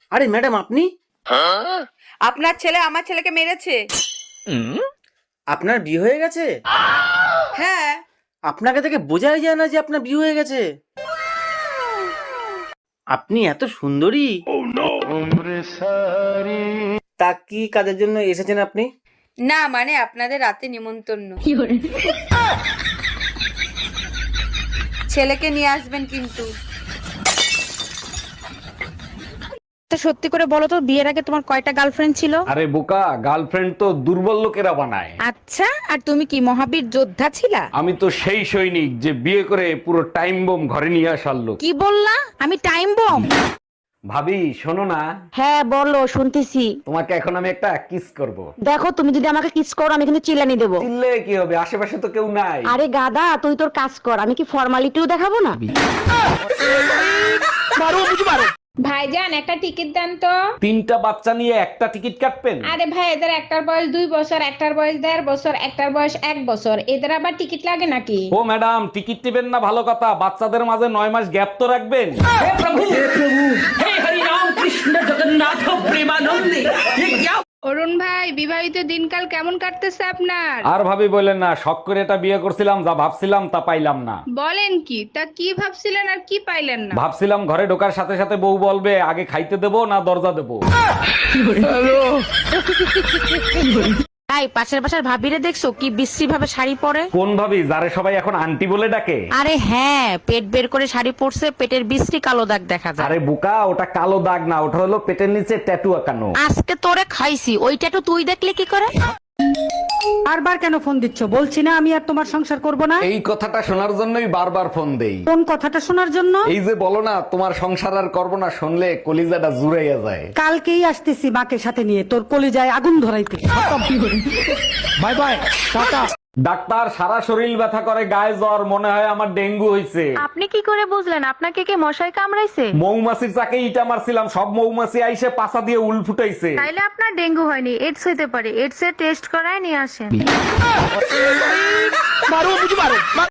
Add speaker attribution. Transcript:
Speaker 1: আরে ম্যাডাম আপনি,
Speaker 2: আপনার ছেলে আমার ছেলেকে মেরেছে।
Speaker 1: আপনার বিয়ে হয়ে গেছে?
Speaker 2: হ্যাঁ।
Speaker 1: আপনাকে দেখে বোঝাই যায় না যে আপনার বিয়ে হয়ে গেছে। আপনি এত সুন্দরী। তা কি কাজের জন্য এসেছেন আপনি?
Speaker 2: না মানে আপনাদের রাতে নিমন্ত্রণ। ছেলেকে নিয়ে আসবেন কিন্তু।
Speaker 3: সত্যি করে বলো তো, বিয়ের আগে তোমার কয়টা গার্লফ্রেন্ড ছিল?
Speaker 4: আরে বোকা, গার্লফ্রেন্ড তো দুর্বল লোকেরা বানায়।
Speaker 3: আচ্ছা, আর তুমি কি মহাবীর যোদ্ধা ছিলা?
Speaker 4: আমি তো সেই সৈনিক যে বিয়ে করে পুরো টাইম বোম ঘরে নিয়ে আসার লোক।
Speaker 3: কি বললা? আমি টাইম বম?
Speaker 4: ভাবি শোনো না,
Speaker 5: হ্যাঁ বলো, শুনতেছি।
Speaker 4: তোমাকে এখন আমি একটা কিস করব।
Speaker 5: দেখো, তুমি যদি আমাকে কিস করো আমি কিন্তু চিল্লানি দেবো।
Speaker 4: চিল্লে কি হবে, আশেপাশে তো কেউ নাই।
Speaker 5: আরে গাদা, তুই তোর কাজ কর, আমি কি ফর্মালিটিও দেখাবো না?
Speaker 6: ভাইজান একটা টিকিট দেন তো।
Speaker 4: 3টা বাচ্চা নিয়ে একটা টিকিট কাটবেন?
Speaker 6: আরে ভাই, এদের একটার বয়স 2 বছর, একটার বয়স 1.5 বছর, একটার বয়স 1 বছর, এদের আবার টিকিট লাগে নাকি?
Speaker 4: ও ম্যাডাম, টিকিট টিবেন না ভালো কথা, বাচ্চাদের মাঝে 9 মাস গ্যাপ তো রাখবেন।
Speaker 6: অরুণ ভাই, বিবাহিত দিনকাল কেমন কাটতেছে আপনার?
Speaker 4: আর ভাবি বললেন না, শখ করে এটা বিয়ে করছিলাম, যা ভাবছিলাম তা পাইলাম না।
Speaker 6: বলেন কি? তা কি ভাবছিলেন আর কি পাইলেন না?
Speaker 4: ভাবছিলাম ঘরে ঢোকার সাথে সাথে বউ বলবে আগে খাইতে দেবো না দরজা দেবো।
Speaker 3: তাই পাশের বাসার ভাবিরে দেখছো কি বিশ্রী ভাবে শাড়ি পরে?
Speaker 4: কোন ভাবি, যারে সবাই এখন আন্টি বলে ডাকে?
Speaker 3: আরে হ্যাঁ, পেট বের করে শাড়ি পরছে, পেটের বিশ্রী কালো দাগ দেখা যায়।
Speaker 4: আরে বুকা, ওটা কালো দাগ না, ওটা হলো পেটের নিচে ট্যাটু আঁকানো।
Speaker 3: আজকে তোরে খাইছি, ওইটা তো তুই দেখলে কি করে?
Speaker 7: বারবার কেন ফোন দিচ্ছ? বলছি না আমি আর তোমার সংসার করব না।
Speaker 4: এই কথাটা শোনার জন্যই বারবার ফোন দেই।
Speaker 7: কোন কথাটা শোনার জন্য?
Speaker 4: এই যে বলো না তোমার সংসার আর করবো না, শুনলে কলিজাটা জুড়াইয়া যায়।
Speaker 7: কালকেই আসতেছি মাকে সাথে নিয়ে তোর কলিজায় আগুন ধরাইতে।
Speaker 4: Bye bye, tata. ডাক্তার, সারা শরীর ব্যথা করে, গায়ে জ্বর, মনে হয় আমার ডেঙ্গু হইছে।
Speaker 5: আপনি কি করে বুঝলেন? আপনাকে কে মশাই কামড়াইছে?
Speaker 4: মৌমাছির চাকে ইটা মারছিলাম, সব মৌমাছি আইসে পাছা দিয়ে উল ফুটাইছে।
Speaker 5: তাইলে আপনার ডেঙ্গু হয়নি, এডস হইতে পারে। এডস এর টেস্ট করায় নিয়ে আসেন।